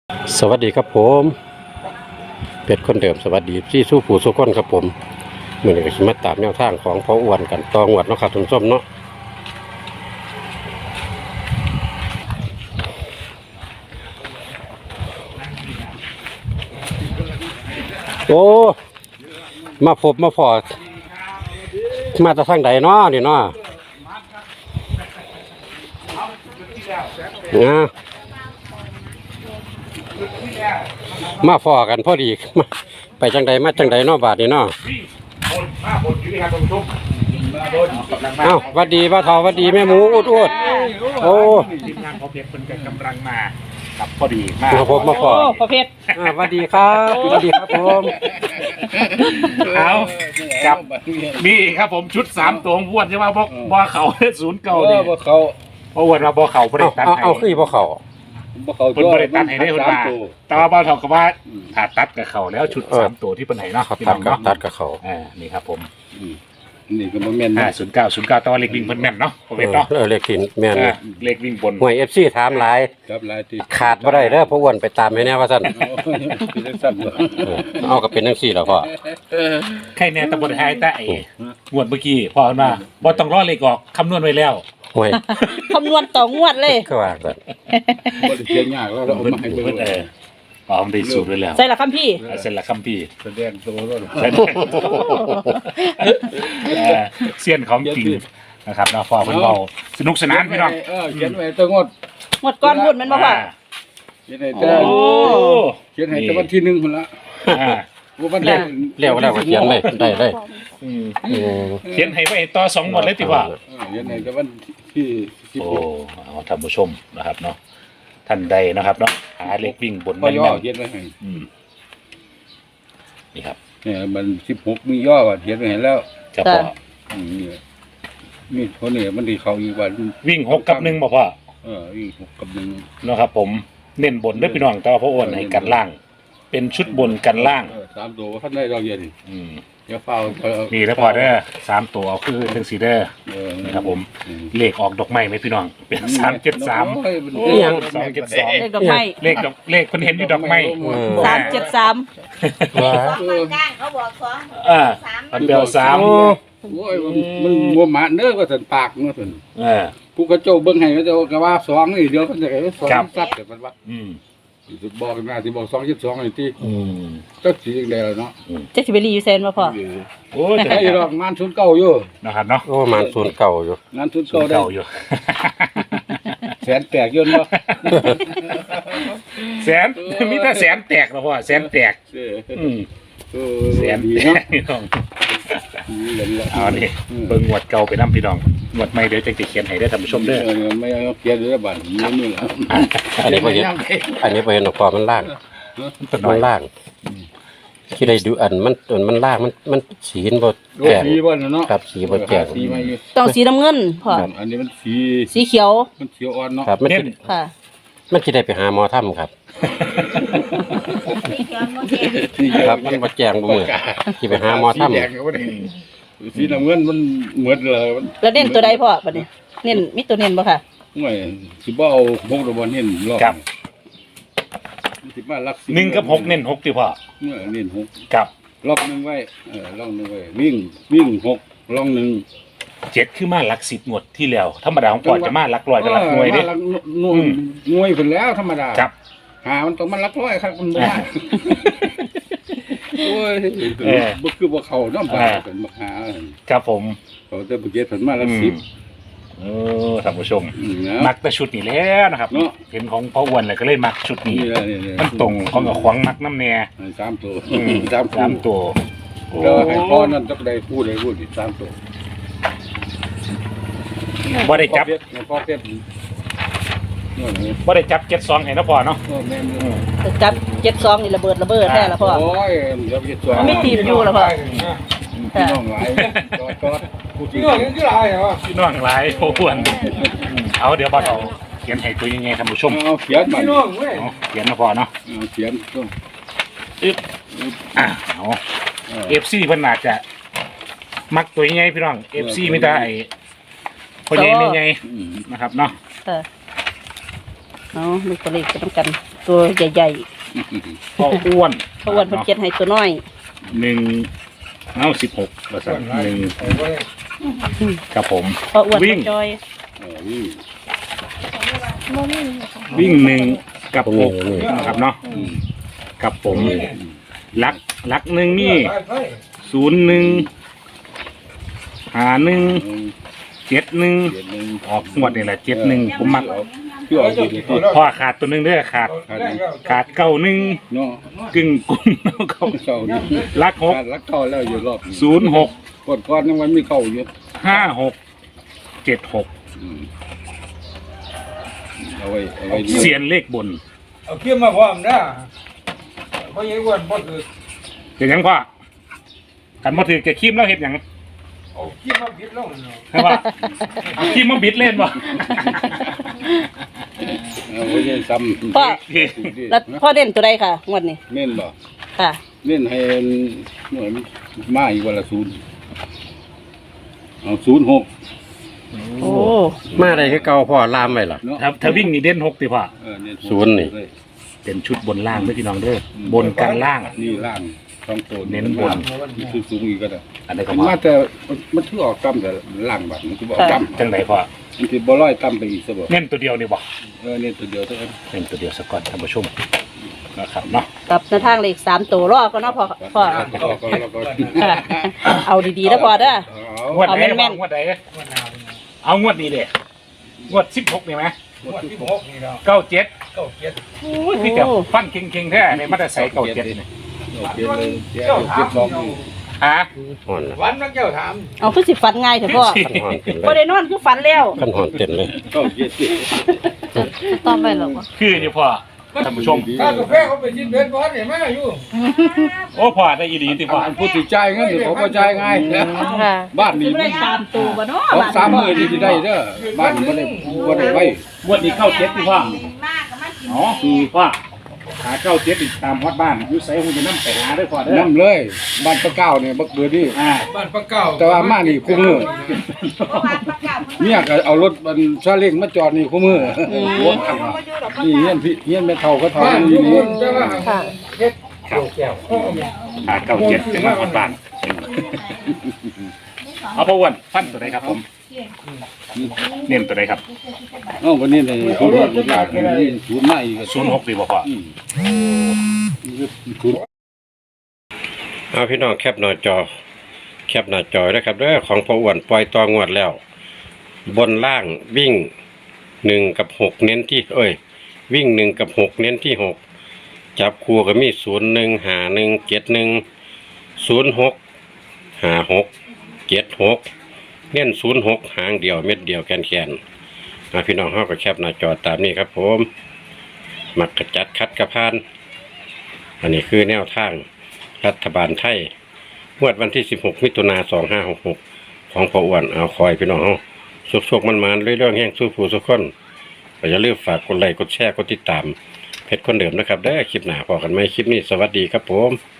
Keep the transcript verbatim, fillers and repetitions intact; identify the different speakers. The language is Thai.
Speaker 1: สวัสดีครับผมเป็ดคนเดิมสวัสดีที่สู้ผู้สู้คนครับผมเมื่อนี้ก็มาตามแนวทางของพ่ออ้วนกันตองวัดเนาะครับทุนส้มเนาะโอ้มาพบมาพอมาจากทางใดเนาะนี่เนาะนะมาฟอกันพอดีไปจังใดมาจังใดเนาะบาทนี่เนาะเอ้าวัดดีป้าทอวัดดีแม่หมูอุดอุดโอ้
Speaker 2: ทีมงานพอเพชรเป็นกำลังมากับพอดีมา
Speaker 1: มาพบมาฟอ
Speaker 3: พอเพชร
Speaker 1: วัดดีครับวัดดีครับผม
Speaker 2: เอากับนี่ครับผมชุดสามตัวพวดใช่ไหมบอกบ่อเขาศูนย์เก่าเนี่ย
Speaker 4: บ่เขา
Speaker 2: เพราะวันมาบ่อเขาประเด็นตัดให้
Speaker 1: เอาคือบ่เขา
Speaker 4: บ่เขา
Speaker 2: เป็นประเด็นตัดให้ได้คนมาแต่ว่าบ่อเขาก็ว่าถ้าตัดกับเขาแล้วชุดสามตัวที่เป็นไหนเนาะ
Speaker 1: ตัดกับตัดกับเขา
Speaker 2: อ่านี่ครับผม
Speaker 4: นี่ก็บ่แม่น
Speaker 2: อ่าศูนย์เก้าศูนย์เก้าตัวเล็กวิ่งเพิ่นแม่นเนาะพอเพชรเนาะ
Speaker 1: เออเล็กถิ่นแม่น
Speaker 2: เล็กวิ่งบน
Speaker 1: หวย เอฟ ซี ถามหลาย
Speaker 4: ครับหลายที่
Speaker 1: ขาดบ่ได้เด้อเพราะอ้วนไปตามให้แน่ว่าซั่นเอาก็เป็นจังซี่ล่ะพ่อ
Speaker 2: ใครแน่ตะบนไทยแต่ไอ้งวดเมื่อกี้พ่อมาบ่ต้องรอเลขออกคำนวณไว้แล้ว
Speaker 1: หวย
Speaker 3: คำนวณต่องวดเลย
Speaker 1: ก็ว่าซั่น
Speaker 4: บ่ได้เขียนยากแล้วเราเอามาให้เบิ่ง
Speaker 2: เอออ๋อมันได้สูตรไว้แล้ว
Speaker 3: ใส่ละคำพี่
Speaker 2: เสร็จละคำพี่
Speaker 4: แสดงตัวแล้ว
Speaker 2: เสี้ยนของจริงนะครับเนาะพ่อเพิ่นเว้าสนุกสนานพี่น้อง
Speaker 4: เออเขียนไว้ตัวงด
Speaker 3: งวดก้อนพูดมันบ่พ่อ
Speaker 4: เขียนให้แต่เขียนให้แต่วันที่หนึ่งพุ่นละ
Speaker 2: อ่า
Speaker 4: วัน
Speaker 1: แล้วแล้วแล้วเขียนเลยได้ได้
Speaker 2: อืมเขียนให้ไว้ต่อสองงวดเลยติว่า
Speaker 4: เขียนให้แต่วันที่
Speaker 2: โอ้เอาท่านผู้ชมนะครับเนาะท่านใดนะครับเนาะหาเลขวิ่งบน
Speaker 4: แม่นๆเขียนไว้ให้
Speaker 2: อืมนี่ครับ
Speaker 4: เนี่ยมันสิบหกมีย่อว่าเขียนไว้ให้แล้ว
Speaker 2: จะพอ
Speaker 4: อืมนี่คนนี้มันสิเข้าอีกว่า
Speaker 2: วิ่งหกกับหนึ่งบ่พ่อ
Speaker 4: เออวิ่งหกกับหนึ่ง
Speaker 2: เนาะครับผมเน้นบนเด้อพี่น้องแต่ว่าพ่ออ้วนให้กันล่างเป็นชุดบนกันล่าง
Speaker 4: สามตัวท่านได้เราเย็น
Speaker 2: อืม
Speaker 4: อย่าเฝ้า
Speaker 2: นี่แล้วพอเด้อสามตัวคือเป็นสีเด้อนี่ครับผมเลขออกดอกไม้ไหมพี่น้องเป็นสามเจ็ดสาม
Speaker 1: ยัง
Speaker 2: สองเจ็ดสอง
Speaker 3: เลขดอกไม้
Speaker 2: เลขดอกเลขคนเห็นอยู่ดอกไม้
Speaker 3: สามเจ็ดสาม
Speaker 5: ว่าเขาบอกสอง
Speaker 2: อ่ามันเดียวสาม
Speaker 4: โอ้ยมันมัวหมาเนื้อก็สันปากเนื้อสัน
Speaker 2: เออ
Speaker 4: ผู้กระโจเบิ้งให้ก็จะกระว่าสองนี่เดียวกันจะไอ้สองซัดแต่มันว่า
Speaker 2: อืม
Speaker 4: บอกกันมาที่บอกสองยี่สิบสองไอ้ที่
Speaker 2: อืม
Speaker 4: ก็สีแดงเนาะ
Speaker 3: เจ๊สิเบลีอยู่เซนมาพอ
Speaker 4: โอ้แต่ไอ้ดอกงานชุนเก่าอยู่
Speaker 2: นะครับเนาะ
Speaker 1: โอ้มันศูนย์เก่าอยู่
Speaker 4: งานชุนเก่าได้
Speaker 2: อยู่
Speaker 4: แสนแตกยนต์เนาะ
Speaker 2: แสนมีแต่แสนแตกนะพ่อแสนแตกอืมแสนดีเนาะพี่น้องเอาดิเบิ่งงวดเก่าไปน้ำพี่น้องงวดใหม่เดี๋ยวจะเขียนให้ได้ท่านผู้ชมเด้อ
Speaker 4: ไม่เอาเขียนเลยบัตรนี่นี่แหละ
Speaker 1: อันนี้พอเห็นอันนี้พอเห็นออกความมันล่างมันล่างที่ได้ดูอันมันมันล่างมันมันสีนบดแก่
Speaker 4: สีบ่เนาะ
Speaker 1: ครับสีบดแก่
Speaker 3: ต้องสีน้ำเงินพ่อ
Speaker 4: อันนี้มันสี
Speaker 3: สีเขียว
Speaker 4: มันเขียวอ่อนเนาะ
Speaker 1: ครับมัน
Speaker 3: ค่ะ
Speaker 1: มันที่ได้ไปหาหมอถ้ำครับครับมันบดแจงบ่มือที่ไปหาหมอถ้ำ
Speaker 4: สีน้ำเงินมันเหมือนเลย
Speaker 3: แล้วเน้นตัวใดพ่อปะเนี่ยเน้นมีตัวเน้นบ่ค่ะ
Speaker 4: ไม่สิบ่เอาหกตัวบอลเน้นรอบสิมาลัก
Speaker 2: หนึ่งกับหกเน้นหกที่พ่อ
Speaker 4: เมื่อเน้นหก
Speaker 2: กับ
Speaker 4: รอบหนึ่งไว้เออรอบหนึ่งไว้วิ่งวิ่งหกรอบหนึ่ง
Speaker 2: เจ็ดคือมาหลักสิบงวดที่แล้วธรรมดาของพ่อจะมาหลักร้อยกับหลักหน่วยดิ
Speaker 4: หน่วยหน่วยเป็นแล้วธรรมดา
Speaker 2: ครับ
Speaker 4: หามันต้องมันหลักร้อยครับมันไม่ได้โอ้ยบ่คือบ่เข้าน้ำปลาเป็นบักหา
Speaker 2: ครับผม
Speaker 4: เขาจะบ่เก็บผลมาหลักสิบ
Speaker 2: เออท่านผู้ชมมักแต่ชุดนี้แล้วนะครับเห็นของพ่ออ้วนเลยก็เลยมักชุดนี้มันตรงของกับขวางมักน้ำแน่
Speaker 4: สามตัว
Speaker 2: สามสามตัว
Speaker 4: แล้วให้พ่อนั่นต้องได้พูดได้พูดอีกสามตัว
Speaker 2: บ่ได้จับ
Speaker 4: พ่อเก็บ
Speaker 2: บ่ได้จับเจ็ดสองให้นะพ่อเนาะ
Speaker 3: จับเจ็ดสองนี่ระเบิดระเบิดแท้ละพ่อ
Speaker 4: โอ้ยเจ็ดสอง
Speaker 3: ไม่ตีมอยู่ละพ่อ
Speaker 4: พี่น้องหลาย
Speaker 2: พี่น้องยังคือหลายเหรอพี่น้องหลายพ่ออ้วนเอาเดี๋ยวบ่เอาเขียนให้ตัวยังไงท่านผู้ชม
Speaker 4: เอาเขียนมาพี่น้องเว้ย
Speaker 2: เขียนนะพ่อเนาะ
Speaker 4: เขียนต้อง
Speaker 2: อึ๊บอ่ะเอาเอฟซีเพิ่นน่าจะมักตัวยังไงพี่น้องเอฟซีไม่ได้พ่อใหญ่ไม่ใหญ่นะครับเนาะ
Speaker 3: เอาดูตัวเลขกันต้องกันตัวใหญ่
Speaker 2: พ่ออ้วน
Speaker 3: ๆเพราะอ้วนเพิ่นเขียนให้ตัวน้อย
Speaker 2: หนึ่งเอาสิบหกเปอร์เซ็นต์หนึ่งครับผม
Speaker 3: เพราะอ้วน
Speaker 2: วิ่ง
Speaker 3: จอย
Speaker 4: เออนี่
Speaker 2: วิ่งหนึ่งกับหกนะครับเนาะกับผมลักลักหนึ่งนี่ศูนย์หนึ่งหาหนึ่ง
Speaker 4: เออ
Speaker 2: เจ็ดหนึ่ง
Speaker 4: เจ็ดหนึ่ง
Speaker 2: ออกงวดนี่แหละเจ็ดหนึ่งผมมัก
Speaker 4: พี่เอาดีดีที่
Speaker 2: พอขาดตัวหนึ่งเด้อขาด
Speaker 4: ขาดนี่
Speaker 2: ขาดเก้าหนึ่ง
Speaker 4: เนาะ
Speaker 2: กึ่งกุ้งเก้า
Speaker 4: เก่านี่
Speaker 2: ลักหก
Speaker 4: ขาดลักเก่าแล้วอยู่รอบ
Speaker 2: ศูนย์หก
Speaker 4: กดก้อนยังมันมีเก่าอยู่
Speaker 2: ห้าหกเจ็ดหก
Speaker 4: อืมเอาไว้เอาไว้ดู
Speaker 2: เสียนเลขบน
Speaker 6: เอาเขี้ยมาพร้อมนะเพราะยังอ้วนบ่ถือ
Speaker 2: เป็นหยังพ่อกันมาถือแกคีมแล้วเห็ดหยัง
Speaker 6: เอาเขี้ยมาผิดลงเนาะ
Speaker 2: ใช่ป่ะคีมมาบิดเล่นป่ะ
Speaker 4: เอาไว้ยังซ้ำ
Speaker 3: พ่อแล้วพ่อเด่นตัวใดค่ะงวดนี้
Speaker 4: เน้นบ่
Speaker 3: ค่ะ
Speaker 4: เน้นให้หน่วยมันมาอีกวันละศูนย์เอาศูนย์หก
Speaker 3: โอ้
Speaker 1: มาได้คือเก่าพ่อลามไว้ล่ะ
Speaker 4: เนาะ
Speaker 2: ถ้าถ้าวิ่งนี่เด่นหกติพ่อ
Speaker 4: เออเน้
Speaker 1: ศูนย์นี่
Speaker 2: เป็นชุดบนล่างด้วยพี่น้องเด้อบนกันล่าง
Speaker 4: นี่ล่างสองตัว
Speaker 2: เน้นบน
Speaker 4: มีสูงสูงอีกก็ได้
Speaker 2: อันนี้ก็
Speaker 4: มัน
Speaker 2: มา
Speaker 4: มาแต่มันถือออกต่ำแต่ล่างบัดมันถือออกต่ำ
Speaker 2: จังไหนพ่อ
Speaker 4: มันถือบ่ร้อยต่ำไปอีกซะบ่
Speaker 2: เน้นตัวเดียวนี่บ่
Speaker 4: เออเนี่ยตัวเดียวเท่านั้น
Speaker 2: เน้นตัวเดียวสักก่อนท่านผู้ชมนะครับเนาะ
Speaker 3: กับหน้าทางเลขสามตัวรอก็เนาะพ่อพ่อ
Speaker 4: แล้วก็แล้วก็
Speaker 3: ค่ะเอาดีๆนะพ่อเด้อ
Speaker 4: เอา
Speaker 2: งวดไหน
Speaker 3: เอาแม่นๆ
Speaker 2: งวดไหนเอางวดนี้เด้งวดสิบหกนี่ไหม
Speaker 6: งวดที่หกนี่แล้ว
Speaker 2: เก้าเจ็ด
Speaker 6: เก้าเจ็ด
Speaker 2: พี่จะฟันเก่งๆแท้ในมาตรใส่เก้าเจ็ดนี่
Speaker 4: โอเคเลยเดี๋ยวเก็บสองนี่
Speaker 2: ฮะ
Speaker 1: หอนล่ะ
Speaker 6: วันนักเจ้าถาม
Speaker 3: เอาคือสิฝันง่ายเถอะพ่อ
Speaker 1: ขันหอนเต็มเล
Speaker 3: บ่
Speaker 1: ย
Speaker 3: ได้นอนคือฝันแล้ว
Speaker 1: ขันหอนเต็มเลย
Speaker 4: ก็เจ็ดสิ
Speaker 3: ต้องไปหรอ
Speaker 2: คือนี่พ่อท่านผู้ชม
Speaker 6: ถ้ากาแฟเขาไปกินเบ็ดบอสเนี่ยมาอยู่
Speaker 2: โอ้พ่อได้อีดีติพ่อ
Speaker 4: พูดถึงใจายเงินเดี๋ยวเขาก็จ่ายง่าย
Speaker 3: ค่ะ
Speaker 4: บ้านนี้
Speaker 3: ไม่ได้ตามตัวบ่เนาะ
Speaker 4: สองสามมื้อที่สิได้เด้อบ้านนี้บ่ได้บ่ได้ไว้
Speaker 2: งวดนี้เก้าเจ็ดติพ่อ
Speaker 5: มากก็มากิน
Speaker 2: อ๋อคือพ่อหาเก้าเจ็ดอีกตามฮอดบ้านอยู่ไสคงจะนำไปหาได้พ่อเด้อ
Speaker 4: นํเลยบ้านปะเก้าเนี่ยบักเบือนี่
Speaker 2: อ่า
Speaker 6: บ้านปลาเก้า
Speaker 4: แต่ว่ามานี่คู่มือ
Speaker 5: เพราะว่าประกาศ
Speaker 4: เมียก็เอารถมันซาเล้งมาจอดนี่คู่มือหัวขันนี่เฮียนพี่เฮียนแม่เฒ่าก็เฒ่า
Speaker 6: บ้าน
Speaker 4: อ
Speaker 6: ทุ
Speaker 4: ยู่
Speaker 6: กค
Speaker 4: นี่
Speaker 6: นแต่ว่า
Speaker 3: ค่ะ
Speaker 6: เฮ็ดเกี่ยวแก้ว
Speaker 2: หาเก้าเจ็ดจะมาฮอดบ้านเอาพ่ออ้วนฟันตัวไหนครับผมเน้นตัวไหนครับ
Speaker 4: เอ้าวันนี้ได้ทุนทุนหลายนี่ทุนมาอีกก็
Speaker 2: ศูนย์หกดีบ่พ่อ
Speaker 4: อืมทุน
Speaker 1: เอาพี่น้องแคปหน้าจอ แคปหน้าจอนะครับเด้อของพ่ออ้วนปล่อยตองวดแล้ว บนล่างวิ่งหนึ่งกับหกเน้นที่เอ้ย วิ่งหนึ่งกับหกเน้นที่หกจับคู่ก็มีศูนย์หนึ่งหาหนึ่งเจ็ดหนึ่งศูนย์หกหาหกเจ็ดหกเน้นศูนย์หกหางเดียวเม็ดเดียวแกนแกนๆมาพี่น้องเขาก็แคปหน้าจอตามนี้ครับผมมักกระจัดคัดกระพาน อันนี้คือแนวทางรัฐบาลไทยงวดวันที่สิบหกมิถุนาสองห้าหกหกของพ่ออ้วนเอาคอยพี่น้องเอาสุกๆมันๆเรื่อยๆแห้งสู้ผู้สุกคนก็อย่าลืมฝากกดไลค์กดแชร์กดติดตามเพจคนเดิมนะครับได้อคลิปหน้าพอกันไหมคลิปนี้สวัสดีครับผม